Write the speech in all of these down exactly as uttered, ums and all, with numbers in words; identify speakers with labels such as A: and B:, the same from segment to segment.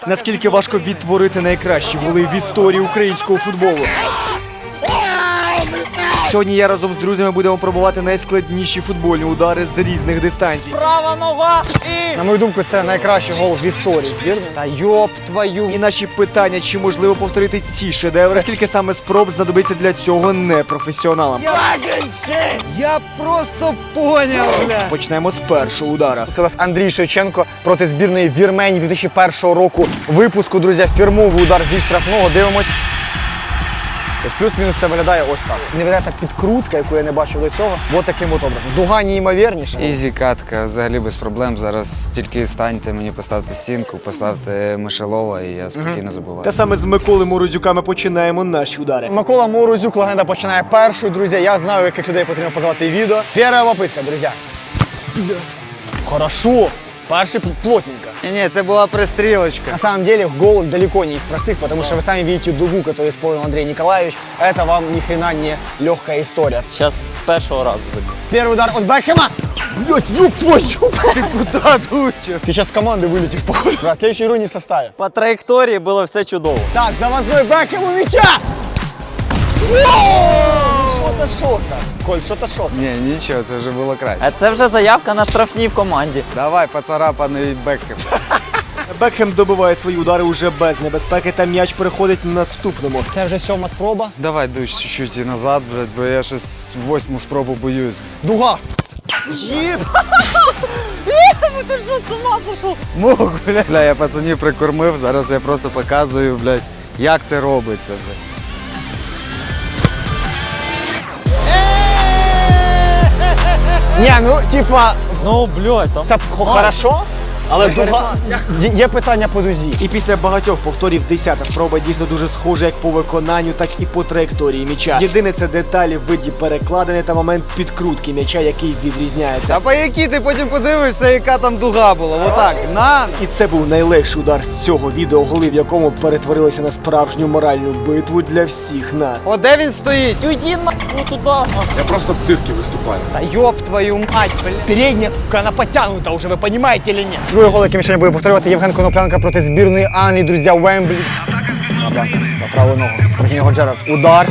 A: Наскільки важко відтворити найкращі голи в історії українського футболу. Сьогодні я разом з друзями будемо пробувати найскладніші футбольні удари з різних дистанцій.
B: Права нога і...
C: На мою думку, це найкращий гол в історії збірної. Та йоп твою.
A: І наші питання, чи можливо повторити ці шедеври, скільки саме спроб знадобиться для цього непрофесіоналам.
C: Я просто поняв, бля.
A: Почнемо з першого удара.
C: Це у нас Андрій Шевченко проти збірної Вірменії дві тисячі першого року випуску, друзі. Фірмовий удар зі штрафного. Дивимось. Ось плюс-мінус це виглядає ось так. Не виглядає так підкрутка, яку я не бачив до цього. Ось таким от образом. Дуга неймовірніша.
D: Ізі катка, взагалі без проблем. Зараз тільки станьте мені, поставте стінку, поставте Мишелова і я спокійно забуваю.
A: Та саме з Миколи Морозюка ми починаємо наші удари.
C: Микола Морозюк, легенда, починає першою, друзі. Я знаю, яких людей потрібно позвати відео. Перша попитка, друзі. Хорошо. Перший плотненько.
D: Ні, це була пристрілочка.
C: На самом деле гол далеко не из простых, потому что вы сами видите дугу, которую исполнил Андрей Николаевич. Это вам ни хрена не легкая история.
B: Зараз з першого разу забив.
C: Первый удар от Бекхэма. Блять, ёб твою!
A: Ти куди, Дуча?
C: Ты сейчас с команды вылетишь, походу. Да, следующую игру не в составе.
B: По траєкторії було все чудово.
C: Так, завозной Бекхэм у мяча! Шо-то, шо-то. Коль, шо-то, шо-то.
D: Ні, нічого, це вже було краще.
B: А це вже заявка на штрафні в команді.
D: Давай, поцарапаний Бекхем.
A: Бекхем добиває свої удари уже без небезпеки, та м'яч переходить на наступному.
C: Це вже сьома спроба.
D: Давай, душ, чуть-чуть і назад, блядь, бо я щось восьму спробу боюсь.
C: Дуга.
B: Ти що, з ума зайшов?
D: Мог, блядь. Бля, я пацанів прикормив, зараз я просто показую, блядь, як це робиться, блядь.
C: Не, ну, типа,
B: Ну, блядь, там...
C: це хо- хорошо, але дуга... Є- Є питання по дузі.
A: І після багатьох повторів десята спроба дійсно дуже схожа як по виконанню, так і по траєкторії м'яча. Єдине це деталі в виді перекладини та момент підкрутки м'яча, який відрізняється.
D: А по якій ти потім подивишся, яка там дуга була? Отак, на!
A: І це був найлегший удар з цього відео, голи в якому перетворилися на справжню моральну битву для всіх нас.
D: О, де він стоїть?
B: Уйди нахуй туди.
E: Я просто в цирке выступаю.
C: Да ёб твою мать, блин. Передняя, она потянута уже, вы понимаете или нет? Другий гол, який ми сьогодні будемо повторювати, Євген Коноплянка проти збірної Англії, друзі, Вемблі. Добре, на праву ногу. Проти нього Джерард. Удар.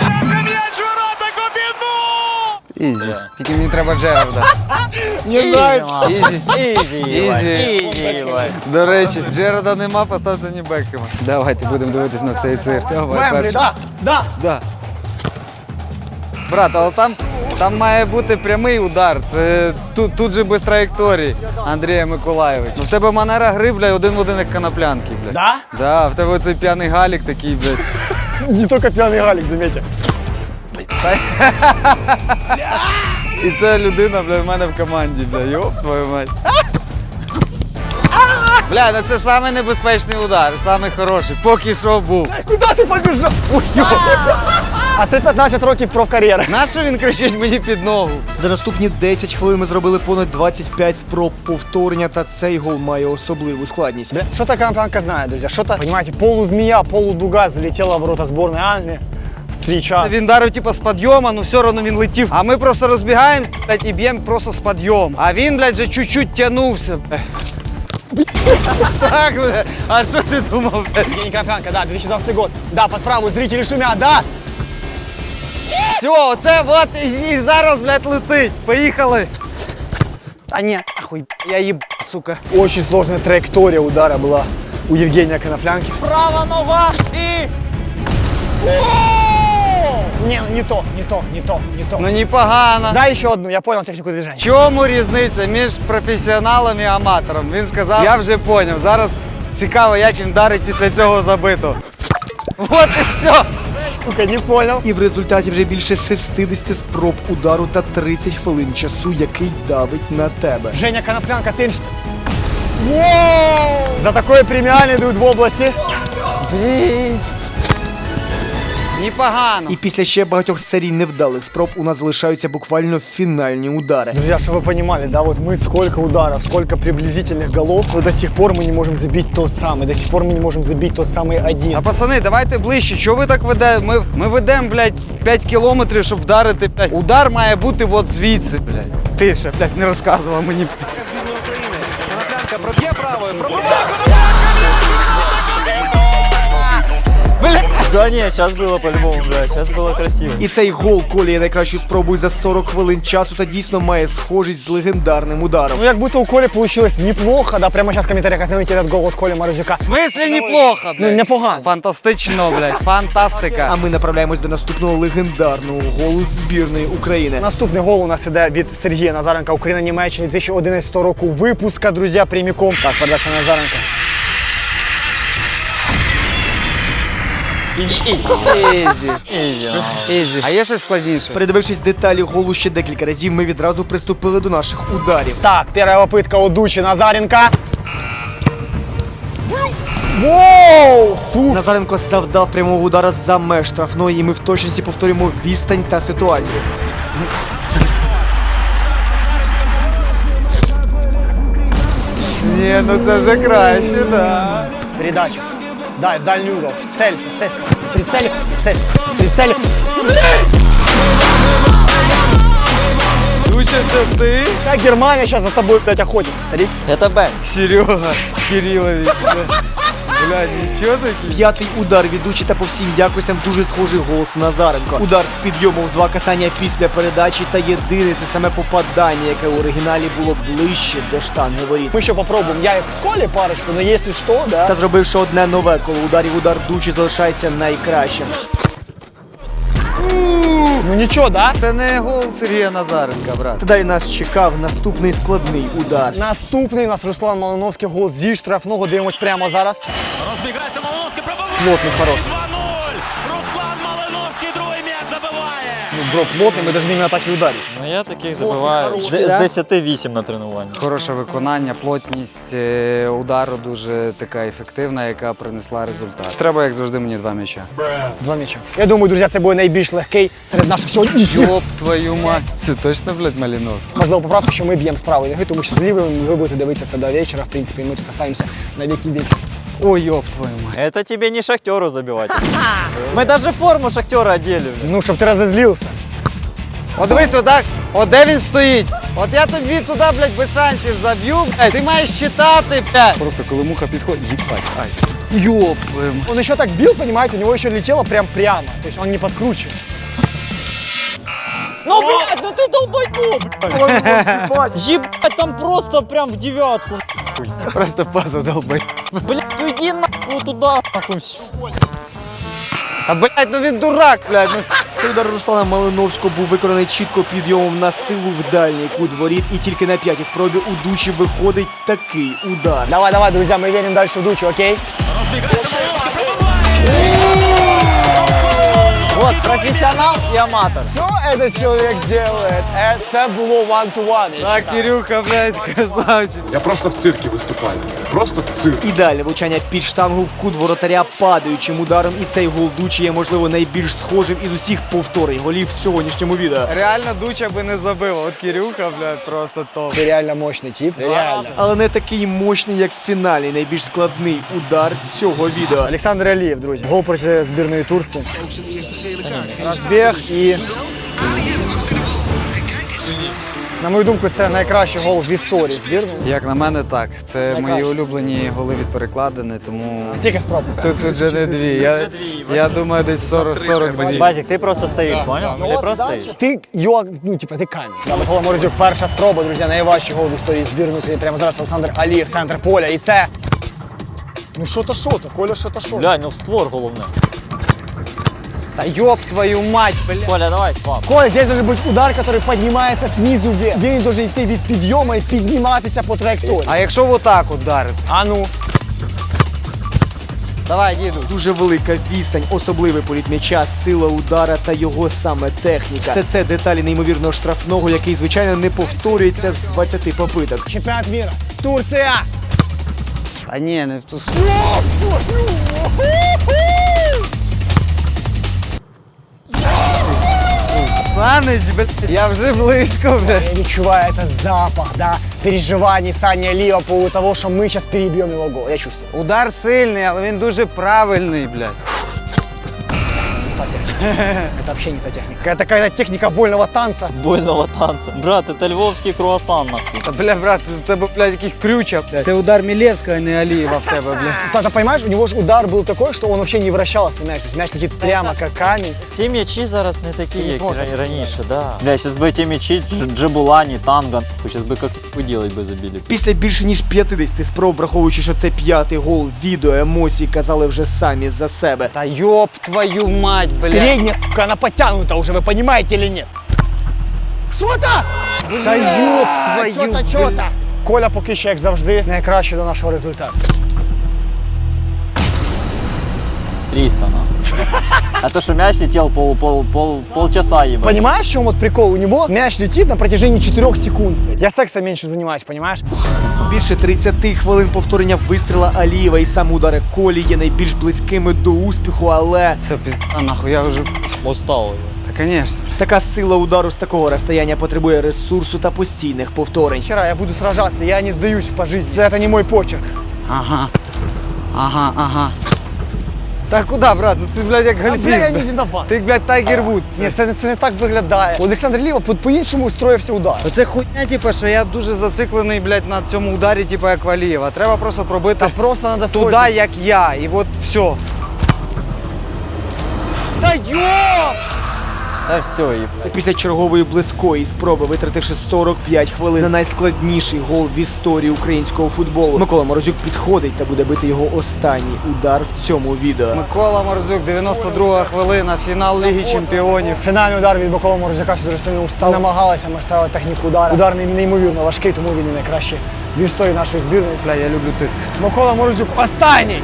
D: Ізі. Тільки мені треба Джерарда.
C: Не нравится.
D: Ізі.
B: Ізі, Євай.
D: Ізі.
B: Ізі, Євай.
D: До речі, Джерарда нема, поставте мені Бекхема. Давайте будемо дивитись на цей цирк. Давай,
C: Вемблі,
D: перший.
C: да, да.
D: Да. Брат, але там, там має бути прямий удар. Це тут, тут же без траєкторії Андрія Миколаєвича. Ну, в тебе манера гри, блядь, один в один як Коноплянки, блядь.
C: Да?
D: Да, в тебе оцей п'яний галік такий, блядь.
C: Не только пьяный Галик, заметьте.
D: І це людина, блядь, в мене в команді, блядь. Йоп, твою мать. Бля, ну це самий небезпечний удар, самий хороший. Поки що був.
C: Куда ты побежал? Ой, ёп. А це п'ятнадцять років профкар'єри.
D: Нащо він кричить мені під ногу?
A: За наступні десять хвилин ми зробили понад двадцять п'ять спроб повторення, та цей гол має особливу складність.
C: Бля, что-то Коноплянка знает, друзья. Что-то, понимаете, полузмея, полудуга залетела в ворота сборной Англии в свій час.
D: Він дарив типу з підйому, ну все одно він летів. А ми просто розбігаємо, блядь, і б'ємо просто з підйому. А він, блядь, вже чуть-чуть тягнувся. Так, блядь. А що ти думав, блядь?
C: Евгений Коноплянка, да, две тысячи двадцатый год. Да, под правую, зрители шумят, да.
D: Все, оце от і, і зараз, блядь, летить. Поїхали.
C: А нет, ахуй, я еб, сука. Очень сложная траектория удара была у Евгения Коноплянки.
B: Права нога і...
C: Не, ну не то, не то, не то, не то.
D: Ну непогано.
C: Дай еще одну, я понял технику
D: В
C: движения.
D: чому різниця між професіоналом і аматором? Він сказав, я вже поняв. Зараз цікаво, як він дарить після цього забитого. От і все.
C: Сука, не понял.
A: І в результаті вже більше шістдесят спроб удару та тридцять хвилин часу, який давить на тебе.
C: Женя Коноплянка, ты что? За такое премиальный дают в области.
B: Блін.
D: Непогано.
A: І після ще багатьох серій невдалих спроб у нас залишаються буквально фінальні удари.
C: Друзья, чтобы вы понимали, да, вот мы сколько ударов, сколько приблизительных голов, но до сих пор мы не можем забить тот самый, до сих пор мы не можем забить тот самый один.
D: А пацани, давайте ближче. Чого ви так ведете? Ми, ми ведемо, блядь, п'ять кілометрів, щоб вдарити, блядь. Удар має бути от звідси, блядь. Ти ще, блядь, не розказував мені.
E: Коноплянка проб'є правою, пробиває Коноплянка!
B: Да не, сейчас было по-любому, блядь, сейчас было красиво.
A: І цей гол Колі є найкращою спробою за сорок хвилин часу та дійсно має схожість з легендарним ударом.
C: Ну, як будто у Колі получилось неплохо, да, прямо сейчас в комментариях оцените этот гол от Коли Морозюка.
D: В смислі неплохо,
C: Ну,
D: блядь?
C: непогано.
D: Фантастично, блядь, фантастика.
A: А ми направляємось до наступного легендарного голу збірної України.
C: Наступний гол у нас іде від Сергія Назаренка, Україна-Німеччина дві тисячі одинадцятого року випуска, друзі, прямиком. Так, передача Назаренка.
B: Изи, изи.
D: Ізі.
B: Изи.
D: Ізі. А є щось складніше?
A: Передивившись деталі голу ще декілька разів, ми відразу приступили до наших ударів.
C: Так, перша попитка у Дучі Назаренка. Воу! Супер!
A: Назаренко завдав прямого удара за меж штрафної, і ми в точності повторюємо відстань та ситуацію.
D: Ні, ну це вже краще, да.
C: Передача. Дай, в дальний угол. Целься, целься. Прицель, целься. Прицель.
D: Дуча, це ти?
C: Вся Германия сейчас за тобой, блядь, охотится, старик.
B: Это Бен.
D: Серега Кирилович. Бля, нічого такий.
A: П'ятий удар ведучий та по всім якостям дуже схожий гол з Назаренко. Удар з підйому в два касання після передачі та єдине це саме попадання, яке в оригіналі було ближче до штанги воріт.
C: Мы еще попробуем. Я их с Колей парочку, но если что, да.
A: Та зробивши одне нове коло ударів, удар Дучі залишається найкращим.
C: Ну ничего, да?
D: Це не гол Сергія Назаренка, брат.
A: Та далі нас чекав наступний складний удар.
C: Наступний у нас Руслан Малиновський, гол зі штрафного. Дивимось прямо зараз.
F: Розбігається Малиновський, пробиває!
C: Плотний, хороший.
F: два нуль! Руслан Малиновський, другий м'яч забиває!
C: Ну, бро, плотний, ми навіть ними атаки ударить.
B: Ну я таких забиваю.
C: хороший,
B: З
C: да?
B: десяти вісім на тренуванні.
D: Хороше виконання, плотність е, удару дуже така ефективна, яка принесла результат. Треба, як завжди, мені два м'яча.
C: Два м'яча. Я думаю, друзі, це буде найбільш легкий серед наших сьогоднішніх.
D: Йоп твою мать. Це точно, блядь, Малиновський?
C: Можливо, поправка, що ми б'ємо з правої ноги, тому що з лівої ви будете дивитися це до вечора. В принципі, ми тут залишаємося на віки вічні.
D: Ой, йоп твою мать.
B: Это тебе не шахтеру забивать. Мы даже форму шахтера одели, блядь.
C: Ну, щоб ти розозлився.
D: От дивись, отак, от де він стоїть. От я тобі туди, блядь, без шансів заб'ю, блядь. Ти маєш читати, блядь. Просто коли муха підходить, їбать, ай. Йоп твою мать.
C: Он еще так бил, понимаете, у него еще летело прям прямо. То есть он не подкручивает.
B: Ну, блядь, ну ты долбоеб, блядь. Ебать, там просто прям в девятку.
D: Просто паза долбай.
B: Блядь, ну иди нахуй туда, нахуй.
A: А блядь, ну він дурак, блядь. Ну. Цей удар Руслана Малиновського був виконаний чітко підйомом на силу в дальній кут воріт, і тільки на п'ятій спробі у Дучі виходить такий удар.
C: Давай, давай, друзья, мы верим дальше в Дучу, окей?
F: Розбігається Малиновський, пробиває!
B: Вот, профессионал и аматор.
C: Що этот человек делает? Е, Це було one-to-one, я
D: Так,
C: считаю.
D: Кирюха, блядь, красавчик.
E: Я просто в цирке выступаю. Просто цирк.
A: Ідеальне влучання під штангу в кут воротаря падаючим ударом, і цей гол Дучі є, можливо, найбільш схожим із усіх повторень голів в сьогоднішньому відео.
D: Реально Дуча би не забив, от Кирюха, блядь, просто топ.
C: Ти реально мощний тип, реально.
A: Але не такий мощний, як в фіналі, найбільш складний удар цього відео.
C: Олександр Алієв, друзі. Гол проти збірної Турції. Розбіг і... На мою думку, це найкращий гол в історії збірної.
D: Як на мене, так. Це
C: Найкраще.
D: мої улюблені голи від перекладини, тому
C: Скільки спроб?
D: тут, тут же не дві. Я, я думаю, десь сорок сорок дві.
B: Базик, ты просто стоишь, понял? Ты просто стоишь.
C: Ти, йо, ну, типа, ти камінь. Да, Микола Морозюк, перша спроба, друзі, найважчий гол в історії збірної України. Прямо зараз Олександр Алієв, центр поля. І це... Ну що то, що то, Коля, що то, що то.
B: Глянь, ну в створ головне.
C: Та ёб твою мать, бля.
B: Коля, давай, свап.
C: Коля, здесь должен быть удар, который поднимается снизу вверх. Він должен йти від підйому і підніматися по траєкторії.
D: А якщо отак ударити?
C: А ну.
D: Давай, діду.
A: Дуже велика відстань, особливий політ м'яча, сила удара та його саме техніка. Все це деталі неймовірного штрафного, який, звичайно, не повторюється з двадцяти попиток.
C: Чемпіонат мира. Турція.
D: А ні, не в ту. Саныч, блядь, я вже близько, блядь.
C: Я відчуваю этот запах, да, переживаний Сані Алієва по поводу того, що ми зараз переб'ємо його гол. Я чувствую.
D: Удар сильний, але він дуже правильний, блядь.
C: Это вообще не та техника. Это какая-то техника вольного танца.
B: Больного танца. Брат, это львовский круассан, нахуй.
D: Та, бля, брат, у тебе, блядь, якісь крюча, блядь. Це удар Мілєвського, а не Алієва в тебе, блядь.
C: Ты понимаешь, у него же удар был такой, что он вообще не вращался мяч. То есть мяч летит прямо как камень.
B: Ці м'ячі зараз не такі, як
C: зможеш
B: ра- раніше, да. Бля, зараз би ті м'ячі, Дж- Джебулані, Танго, зараз би як поділить би забили.
A: Після більше ніж п'ятдесят спроб, враховуючи, що це п'ятий гол, відео, емоції казали вже самі за себе.
D: Та йоп твою мать, блядь.
C: Передняя, она подтянута уже, вы понимаете или нет? Что-то!
D: Та йоп твою,
C: Чо-то, чо-то! Коля поки що, як завжди, найкраще до нашого результату.
B: триста, нахуй. А то, що м'яч летів пол, пол, пол, полчаса їбать.
C: Понимаешь, в чем вот прикол? У него мяч летит на протяжении четырёх секунд. Я сексом меньше занимаюсь, понимаешь?
A: Більше тридцять хвилин повторення вистріла Алієва і сам удари Колі є найбільш близькими до успіху, але
D: Все, пізда, нахуй, я вже...
B: Устал.
D: Та, конечно.
A: така сила удару з такого розстояння потребує ресурсу та постійних повторень.
C: Хера, я буду сражаться, я не сдаюсь по жизни. Это не мой почерк.
D: Ага. Ага, ага. Та куди, брат? Ну ти, блядь, як
C: А, бля,
D: гольфіст.
C: я не
D: блядь.
C: виноват.
D: Ти, блядь, Тайгер Вуд.
C: Ні, це, це не так виглядає. Олександр Ліва по- по-іншому устроївся удар.
D: Оце хуйня, типу, що я дуже зациклений, блядь, на цьому ударі, типу, як Валієва. Треба просто пробити
C: Та просто треба
D: туди, як я. І от все.
C: Та йоп!
B: Та все, їбать.
A: Після чергової близької спроби, витративши сорок п'ять хвилин на найскладніший гол в історії українського футболу, Микола Морозюк підходить та буде бити його останній удар в цьому відео.
D: Микола Морозюк, дев'яносто друга хвилина, фінал Ліги Чемпіонів.
C: Фінальний удар від Миколи Морозюка дуже сильно устав. Намагалися ми ставили техніку удару. Удар не- неймовірно важкий, тому він і найкращий в історії нашої збірної.
D: Бля, я люблю тиск.
C: Микола Морозюк останній!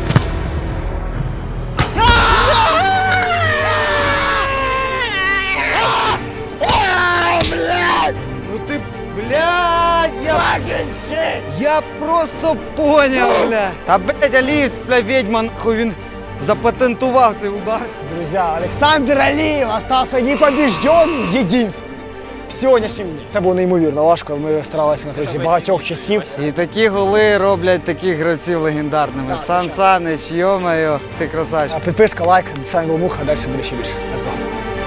D: Ну ти, блядь, я... Я просто поняв, бля. Та, блядь, Алієв, бля, відьма, нахуй, він запатентував цей удар.
C: Друзі, Олександр Алієв остався непобіжденним в єдинстві. В сьогоднішньому дні. Це було неймовірно важко. Ми старалися на протязі багатьох часів.
D: І такі голи роблять таких гравців легендарними. Сан Санич, йо-моє, ти красавчик.
C: Підписка, лайк, з вами був Муха, далі буде ще більше. Let's go.